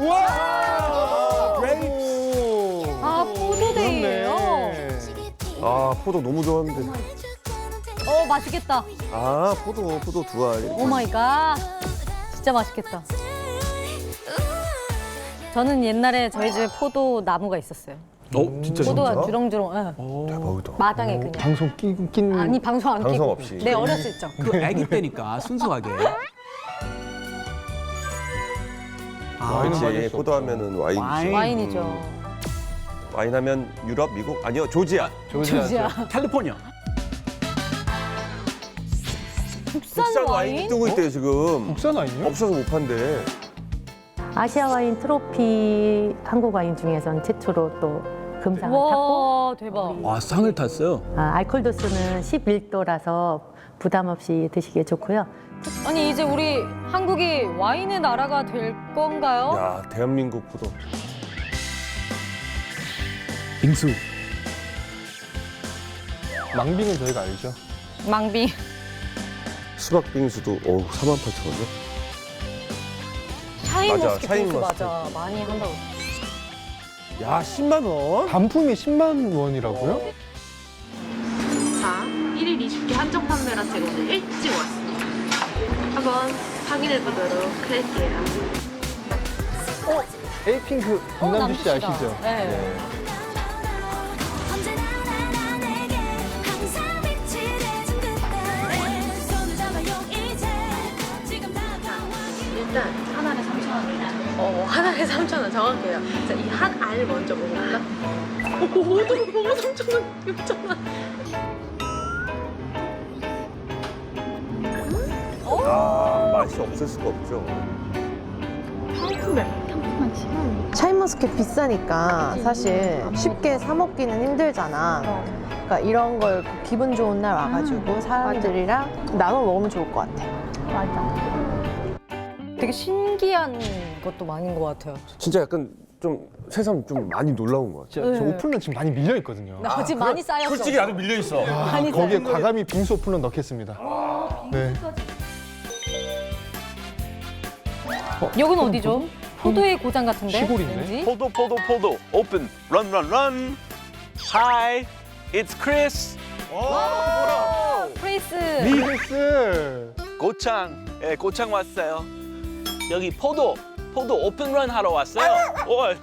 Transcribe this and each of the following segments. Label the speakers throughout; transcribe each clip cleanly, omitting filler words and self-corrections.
Speaker 1: 우와!
Speaker 2: 아, 포도데이예요.
Speaker 1: 아, 포도 너무 좋아하는데.
Speaker 2: 맛있겠다.
Speaker 1: 아, 포도 두 알.
Speaker 2: 오 마이 갓. 진짜 맛있겠다. 저는 옛날에 저희 집에 포도 나무가 있었어요.
Speaker 3: 진짜
Speaker 2: 포도가 주렁주렁. 예.
Speaker 1: 대박이다.
Speaker 2: 마당에 그냥.
Speaker 4: 방송 낀
Speaker 2: 아니 방송 안
Speaker 1: 방송
Speaker 2: 끼고.
Speaker 1: 없이.
Speaker 2: 네, 어렸을 적.
Speaker 3: 그 아기 때니까 순수하게.
Speaker 1: 그렇지.
Speaker 4: 빠질 수
Speaker 1: 포도 하면은 와인이지.
Speaker 3: 와인.
Speaker 2: 와인이죠.
Speaker 1: 와인 하면 유럽, 미국? 아니요, 조지아.
Speaker 2: 조지아.
Speaker 3: 캘리포니아.
Speaker 2: 국산 와인?
Speaker 1: 뜨고 있대요, 지금.
Speaker 4: 국산 아니에요?
Speaker 1: 없어서 못 판대.
Speaker 5: 아시아 와인 트로피 한국 와인 중에선 최초로 또 금상을 탔고
Speaker 2: 와, 대박.
Speaker 3: 와, 상을 탔어요.
Speaker 5: 알코올 도수는 11도라서 부담 없이 드시기에 좋고요.
Speaker 2: 아니 이제 우리 한국이 와인의 나라가 될 건가요?
Speaker 1: 야, 대한민국 포도.
Speaker 3: 빙수.
Speaker 4: 망빙은 저희가 알죠.
Speaker 2: 망빙.
Speaker 1: 수박 빙수도 48,000원이요?
Speaker 2: 샤인머스켓
Speaker 1: 샤인
Speaker 2: 빙수
Speaker 1: 머스켓.
Speaker 2: 맞아. 많이 한다고.
Speaker 1: 야, 10만 원?
Speaker 4: 단품이 10만 원이라고요?
Speaker 6: 자, 1일 20개 한정 판매라서 제가 오늘 일찍 왔습니다. 한번 확인해보도록 할게요.
Speaker 4: 에이핑크 김남주 씨 아시죠?
Speaker 2: 네.
Speaker 7: 언제나 나 내게 항상 빛이 돼준 그때 손을 잡아요 이제 지금 다가와
Speaker 6: 일단 한 알에 3,000원이에요. 한 알에 3,000원 정확해요. 자, 이 한 알 먼저 먹어볼까? 오, 3,000원, 6,000원.
Speaker 1: 아, 맛이 없을 수가 없죠.
Speaker 8: 샤인머스켓 비싸니까 사실 쉽게 사 먹기는 힘들잖아. 그러니까 이런 걸 기분 좋은 날 와가지고 사람들이랑 나눠 먹으면 좋을 것 같아.
Speaker 2: 되게 신기한 것도 많은 것 같아요.
Speaker 1: 진짜 약간 좀 새삼 좀 많이 놀라운 것 같아.
Speaker 4: 진짜 저 오픈런 지금 많이 밀려 있거든요.
Speaker 2: 나 지금 많이 쌓였어.
Speaker 1: 솔직히 나도 밀려 있어.
Speaker 2: 많이
Speaker 4: 거기에
Speaker 2: 쌓였어.
Speaker 4: 과감히 빙수 오픈런 넣겠습니다. 네.
Speaker 2: 여기는 어디죠? 포도의 고장 같은데?
Speaker 4: 시골인데?
Speaker 2: 왠지?
Speaker 9: 포도 open run hi it's Chris
Speaker 2: 프레이스.
Speaker 4: 미스.
Speaker 9: 고창 왔어요 여기 포도 오픈 런 하러 왔어요 오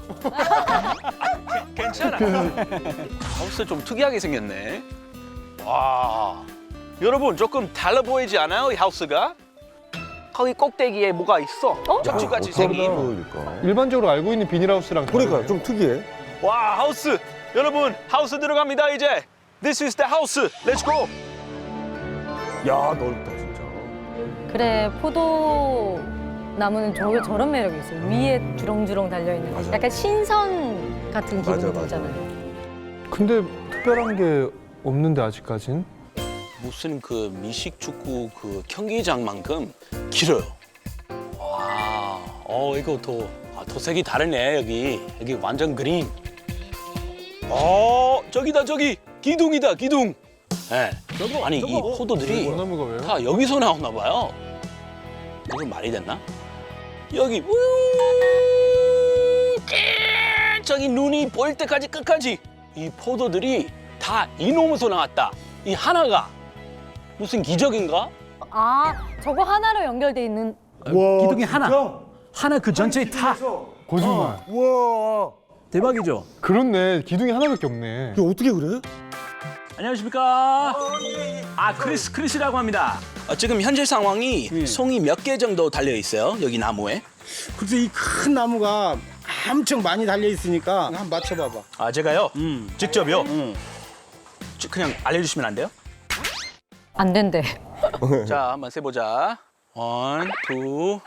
Speaker 9: 괜찮아 하우스 좀 특이하게 생겼네 와 여러분 조금 달라 보이지 않아요 이 하우스가 거기 꼭대기에 뭐가 있어 척추같이 생긴
Speaker 1: 보이니까.
Speaker 4: 일반적으로 알고 있는 비닐하우스랑
Speaker 1: 그러니까
Speaker 4: 다르네요.
Speaker 1: 좀 특이해.
Speaker 9: 와 하우스 여러분 하우스 들어갑니다 이제 This is the house let's go
Speaker 1: 야, 넓다 진짜.
Speaker 2: 그래, 포도 나무는 저런 매력이 있어요. 위에 주렁주렁 달려있는.
Speaker 1: 맞아.
Speaker 2: 약간 신선 같은 기분이
Speaker 1: 맞아.
Speaker 2: 들잖아요.
Speaker 4: 근데 특별한 게 없는데 아직까진?
Speaker 9: 무슨 그 미식 축구 그 경기장만큼 길어요. 와, 이거 더 색이 다르네 여기 완전 그린. 저기다 저기 기둥이다 기둥. 네. 아니 이 포도들이
Speaker 4: 원나무가 왜요?
Speaker 9: 다 여기서 나오나 봐요. 이건 말이 됐나? 여기 저기 눈이 보일 때까지 끝까지 이 포도들이 다 이놈에서 나왔다. 이 하나가 무슨 기적인가?
Speaker 2: 아, 저거 하나로 연결돼 있는.
Speaker 3: 기둥이 하나 그 전체에 다.
Speaker 4: 거짓말.
Speaker 1: 우와.
Speaker 3: 대박이죠?
Speaker 4: 그렇네. 기둥이 하나밖에 없네.
Speaker 1: 이거 어떻게 그래?
Speaker 3: 안녕하십니까? 크리스라고 합니다.
Speaker 9: 지금 현재 상황이 송이 몇 개 정도 달려 있어요. 여기 나무에.
Speaker 10: 글쎄 이 큰 나무가 엄청 많이 달려 있으니까 한번 맞춰봐봐.
Speaker 9: 제가요. 직접요. 그냥 알려주시면 안 돼요?
Speaker 2: 안 된대.
Speaker 9: 자, 한번 세보자. 1, 2.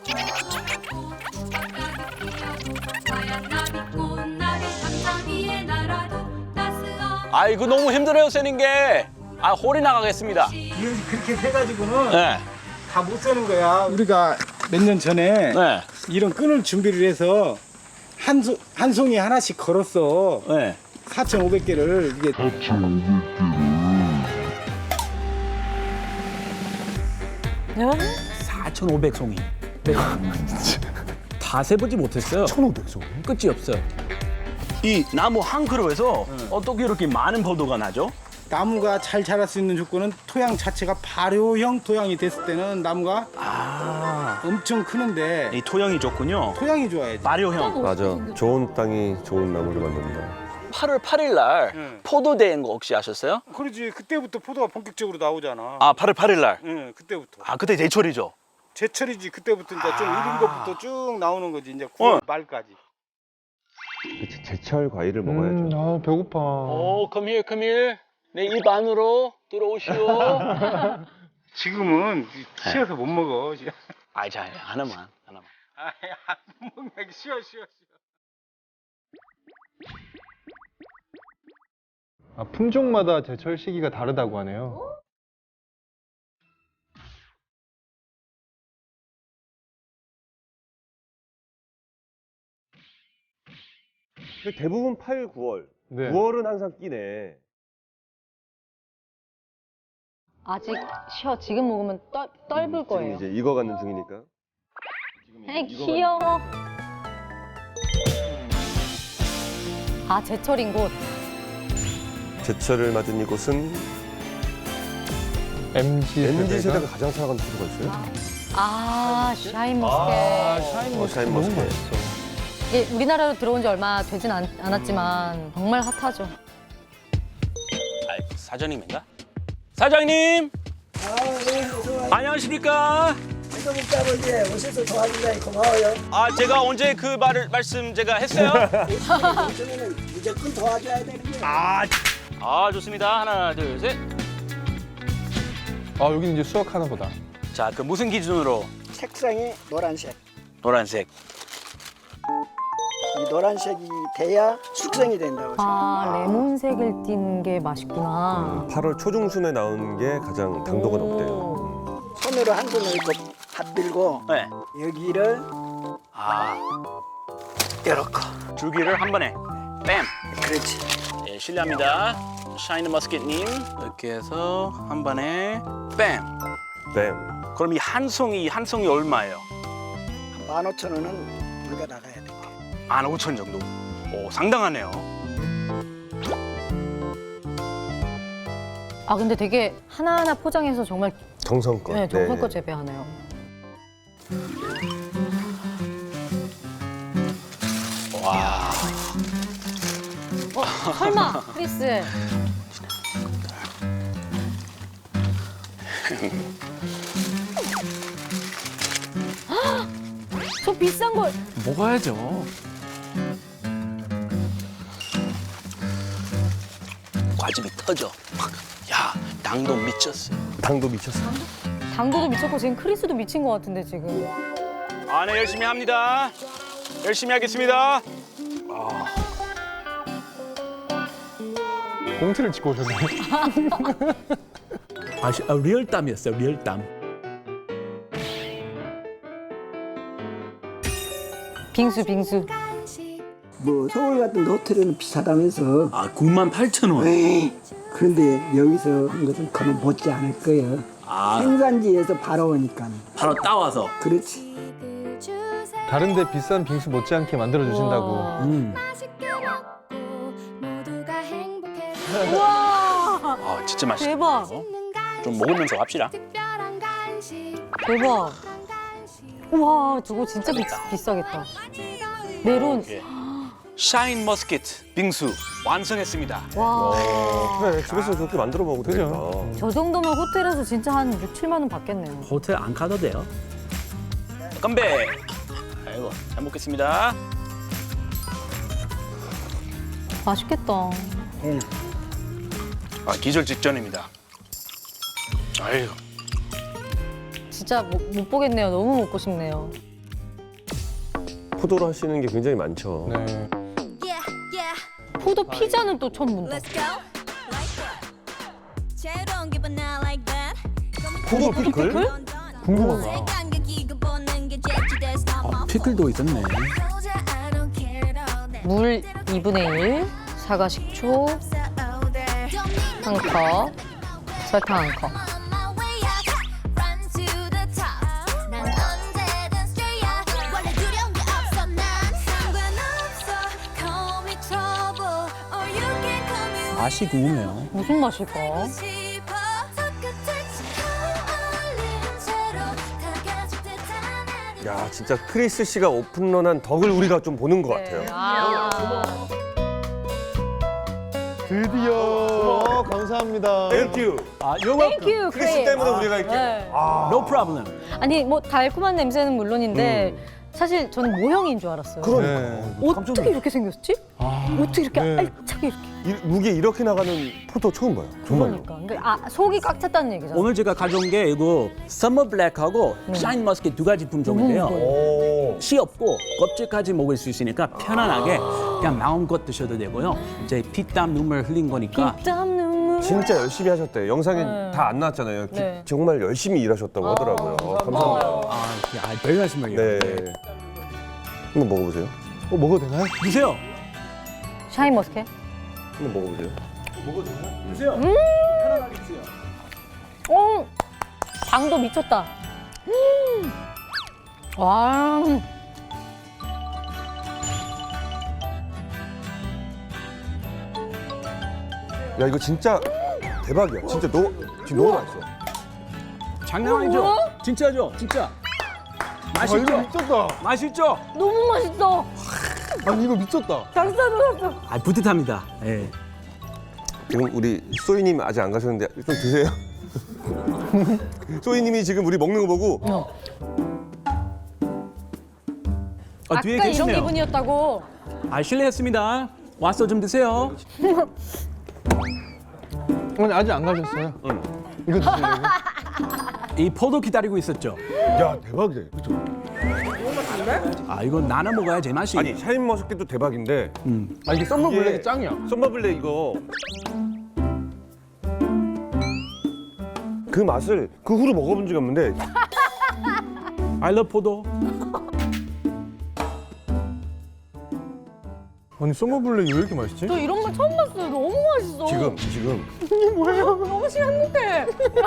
Speaker 9: 이거 너무 힘들어요, 세는 게. 홀이 나가겠습니다.
Speaker 10: 그렇게 해가지고는
Speaker 9: 네.
Speaker 10: 다 못 세는 거야. 우리가 몇 년 전에
Speaker 9: 네.
Speaker 10: 이런 끈을 준비를 해서 한 송이 하나씩 걸었어.
Speaker 9: 네.
Speaker 10: 4,500개를 이게
Speaker 3: 4,500송이. 다 세보지 못했어요.
Speaker 4: 1,500종.
Speaker 3: 끝이 없어요.
Speaker 9: 이 나무 한 그루에서 어떻게 이렇게 많은 포도가 나죠?
Speaker 10: 나무가 잘 자랄 수 있는 조건은 토양 자체가 발효형 토양이 됐을 때는 나무가 엄청 크는데
Speaker 9: 이 토양이 좋군요.
Speaker 10: 토양이 좋아야지.
Speaker 9: 발효형.
Speaker 1: 맞아. 좋은 땅이 좋은 나무를 만든다.
Speaker 9: 8월 8일 날 포도 대회인 거 혹시 아셨어요?
Speaker 10: 그러지. 그때부터 포도가 본격적으로 나오잖아.
Speaker 9: 아, 8월 8일 날.
Speaker 10: 응, 그때부터.
Speaker 9: 아, 그때 제철이죠.
Speaker 10: 제철이지. 그때부터 이제 좀 익은 것부터 쭉 나오는 거지. 이제 9월 말까지.
Speaker 1: 그치, 제철 과일을 먹어야죠.
Speaker 4: 아, 배고파.
Speaker 9: 오, come here. 내 입 안으로 들어오시오.
Speaker 10: 지금은 쉬어서 못 먹어.
Speaker 9: 아, 자, 하나만.
Speaker 10: 못 먹는 게 쉬어.
Speaker 4: 아, 품종마다 제철 시기가 다르다고 하네요.
Speaker 1: 대부분 8, 9월.
Speaker 4: 네.
Speaker 1: 9월은 항상 끼네.
Speaker 2: 아직 쉬어. 지금 먹으면 떫을
Speaker 1: 지금
Speaker 2: 거예요.
Speaker 1: 이제 익어가는 중이니까.
Speaker 2: 에이, 귀여워. 아, 제철인 곳.
Speaker 1: 제철을 맞은 이곳은 MZ 세대가 가장 사랑하는 포도가 있어요.
Speaker 2: 아, 샤인 머스켓.
Speaker 1: 샤인 머스켓.
Speaker 4: 너무 맛있어.
Speaker 2: 이게 우리나라로 들어온 지 얼마 되진 않았지만 정말 핫하죠.
Speaker 9: 사장님인가? 사장님! 안녕하십니까?
Speaker 11: 오셔서 도와준다니 고마워요.
Speaker 9: 아, 제가 언제 그 말씀 제가 했어요?
Speaker 11: 요즘에는 무조건 도와줘야 되는 거예요.
Speaker 9: 좋습니다. 하나, 둘, 셋.
Speaker 4: 아, 여기는 이제 수확하나 보다.
Speaker 9: 자, 그 무슨 기준으로?
Speaker 11: 색상이 노란색.
Speaker 9: 노란색.
Speaker 11: 이 노란색이 돼야 숙성이 된다고.
Speaker 2: 아, 레몬색을 띤 게 맛있구나.
Speaker 1: 8월 초중순에 나오는 게 가장 당도가 높대요.
Speaker 11: 손으로 한 손을 이렇게 밥 들고
Speaker 9: 네.
Speaker 11: 여기를 이렇게.
Speaker 9: 줄기를 한 번에. 뺨.
Speaker 11: 그렇지.
Speaker 9: 네, 실례합니다. 샤인 머스켓님. 이렇게 해서 한 번에 뺨.
Speaker 1: 뱀.
Speaker 9: 그럼 이 한 송이 얼마예요?
Speaker 11: 15,000원은 물가 나가야 돼.
Speaker 9: 15,000 정도. 오, 상당하네요.
Speaker 2: 아, 근데 되게 하나하나 포장해서 정말
Speaker 1: 정성껏.
Speaker 2: 네, 정성껏 재배하네요.
Speaker 9: 와.
Speaker 2: 설마, 크리스. 헉! 저 비싼 걸.
Speaker 3: 먹어야죠.
Speaker 9: 과즙이 터져. 야, 당도 미쳤어.
Speaker 1: 당도 미쳤어.
Speaker 2: 당도도 미쳤고 지금 크리스도 미친 것 같은데 지금.
Speaker 9: 네, 열심히 합니다. 열심히 하겠습니다.
Speaker 4: 봉투를 찍고 오셨네.
Speaker 3: 리얼땀이었어요. 리얼땀.
Speaker 2: 빙수.
Speaker 11: 뭐 서울 같은 호텔은 비싸다면서.
Speaker 3: 98,000원.
Speaker 11: 에이, 그런데 여기서 한 것은 그건 못지 않을 거예요. 생산지에서 바로 오니까.
Speaker 3: 바로 따와서.
Speaker 11: 그렇지.
Speaker 4: 다른 데 비싼 빙수 못지않게 만들어주신다고.
Speaker 2: 우와.
Speaker 9: 진짜 맛있다.
Speaker 2: 대박.
Speaker 9: 좀 먹으면서 합시다.
Speaker 2: 대박. 우와, 저거 진짜 비싸겠다. 메론.
Speaker 9: 샤인 머스켓 빙수 완성했습니다.
Speaker 2: 와.
Speaker 1: 그래, 집에서 저렇게 만들어 먹어도 되겠다.
Speaker 2: 저 정도면 호텔에서 진짜 한 6, 7만 원 받겠네요.
Speaker 3: 호텔 안 가도 돼요.
Speaker 9: 건배. 아이고, 잘 먹겠습니다.
Speaker 2: 맛있겠다.
Speaker 9: 기절 직전입니다. 아유.
Speaker 2: 진짜 못 보겠네요. 너무 먹고 싶네요.
Speaker 1: 포도로 하시는 게 굉장히 많죠.
Speaker 4: 네.
Speaker 2: 포도 피자는 또 처음 본다.
Speaker 1: 포도 피클?
Speaker 4: 궁금하다.
Speaker 3: 피클도 있었네.
Speaker 2: 물 2분의 1, 사과 식초 1컵, 설탕 1컵.
Speaker 3: 맛이 궁금해요.
Speaker 2: 무슨 맛일까?
Speaker 1: 야, 진짜 크리스 씨가 오픈런한 덕을 우리가 좀 보는 것 같아요.
Speaker 4: 드디어 감사합니다.
Speaker 1: 땡큐.
Speaker 2: Thank you,
Speaker 1: 크리스
Speaker 2: Chris.
Speaker 1: 때문에 우리가 이렇게.
Speaker 2: 네.
Speaker 3: No problem.
Speaker 2: 아니 뭐 달콤한 냄새는 물론인데 사실 저는 모형인 줄 알았어요.
Speaker 1: 그러니까.
Speaker 2: 어떻게 이렇게 생겼지? 어떻게 이렇게
Speaker 4: 네.
Speaker 2: 알차게 이렇게?
Speaker 1: 무게 이렇게 나가는 포도 처음 봐요. 정말로.
Speaker 2: 그러니까 속이 꽉 찼다는 얘기잖아.
Speaker 3: 오늘 제가 가져온 게 이거 서머 블랙하고 샤인 머스켓 두 가지 품종인데요.
Speaker 1: 오.
Speaker 3: 씨 없고 껍질까지 먹을 수 있으니까 편안하게 그냥 마음껏 드셔도 되고요. 이제 피땀 눈물 흘린 거니까
Speaker 2: 땀 눈물.
Speaker 1: 진짜 열심히 하셨대요. 영상에 다 안 나왔잖아요.
Speaker 2: 네.
Speaker 1: 정말 열심히 일하셨다고 하더라고요. 감사합니다.
Speaker 3: 별 말씀을요.
Speaker 1: 네. 한번 먹어보세요.
Speaker 4: 먹어도 되나요?
Speaker 3: 드세요.
Speaker 2: 샤인 머스켓.
Speaker 1: 한번 먹어보세요.
Speaker 3: 드세요. 편안하게 드세요.
Speaker 2: 당도 미쳤다. 와.
Speaker 1: 야, 이거 진짜 대박이야. 진짜 지금 너무 맛있어.
Speaker 3: 장난 아니죠? 진짜죠? 진짜. 맛있죠?
Speaker 4: 이거 미쳤다.
Speaker 3: 맛있죠?
Speaker 2: 너무 맛있어.
Speaker 4: 아니 이거 미쳤다.
Speaker 2: 장사들었어.
Speaker 3: 뿌듯합니다. 예.
Speaker 1: 지금 우리 소희님 아직 안 가셨는데 좀 드세요. 소희님이 지금 우리 먹는 거 보고
Speaker 3: 뒤에
Speaker 2: 아까 이런
Speaker 3: 계시네요.
Speaker 2: 기분이었다고.
Speaker 3: 실례했습니다. 와서 좀 드세요.
Speaker 4: 아니 아직 안 가셨어요? 이거 드시려고?
Speaker 3: 이 포도 기다리고 있었죠?
Speaker 1: 야, 대박이다. 그죠?
Speaker 3: 이건 나눠 먹어야 제맛이.
Speaker 1: 아니, 샤인머스켓도 대박인데
Speaker 4: 아 이게 썸머 블랙이
Speaker 1: 이게
Speaker 4: 짱이야.
Speaker 1: 썸머블랙 이거 그 맛을 그 후로 먹어본 적이 없는데
Speaker 3: I love 포도.
Speaker 4: 아니 썸머 블랙이 왜 이렇게 맛있지?
Speaker 2: 저 이런 거 처음 봤어요. 너무 맛있어.
Speaker 1: 지금
Speaker 2: 너무 행복해.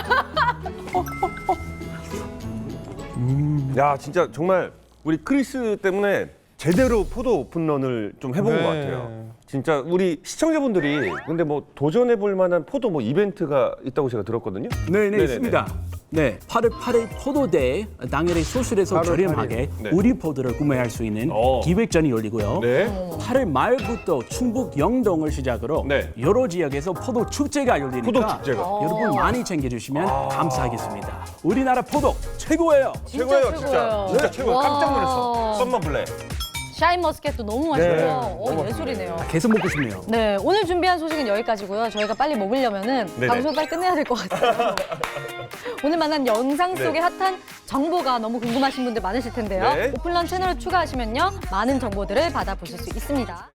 Speaker 1: 야, 진짜 정말 우리 크리스 때문에 제대로 포도 오픈런을 좀 해본
Speaker 4: 네.
Speaker 1: 것 같아요. 진짜 우리 시청자분들이 근데 뭐 도전해 볼 만한 포도 뭐 이벤트가 있다고 제가 들었거든요.
Speaker 3: 네네 있습니다. 네, 8월 8일 포도데이 당일에 소실에서
Speaker 1: 8월
Speaker 3: 저렴하게
Speaker 1: 8일. 네.
Speaker 3: 우리 포도를 구매할 수 있는 기획전이 열리고요.
Speaker 1: 네.
Speaker 3: 8월 말부터 충북 영동을 시작으로
Speaker 1: 네.
Speaker 3: 여러 지역에서 포도 축제가 열리니까
Speaker 1: 포도 축제가.
Speaker 3: 여러분 많이 챙겨주시면 감사하겠습니다. 우리나라 포도 최고예요.
Speaker 1: 최고예요, 진짜. 진짜 최고예요. 깜짝 놀랐어. 썸머블랙.
Speaker 2: 샤인 머스켓도 너무 맛있고
Speaker 1: 네.
Speaker 2: 예술이네요.
Speaker 3: 계속 먹고 싶네요.
Speaker 2: 네, 오늘 준비한 소식은 여기까지고요. 저희가 빨리 먹으려면은
Speaker 1: 네네.
Speaker 2: 방송을 빨리 끝내야 될 것 같아요. 오늘 만난 영상 속의 핫한 정보가 너무 궁금하신 분들 많으실 텐데요.
Speaker 1: 네.
Speaker 2: 오픈런 채널을 추가하시면요. 많은 정보들을 받아보실 수 있습니다.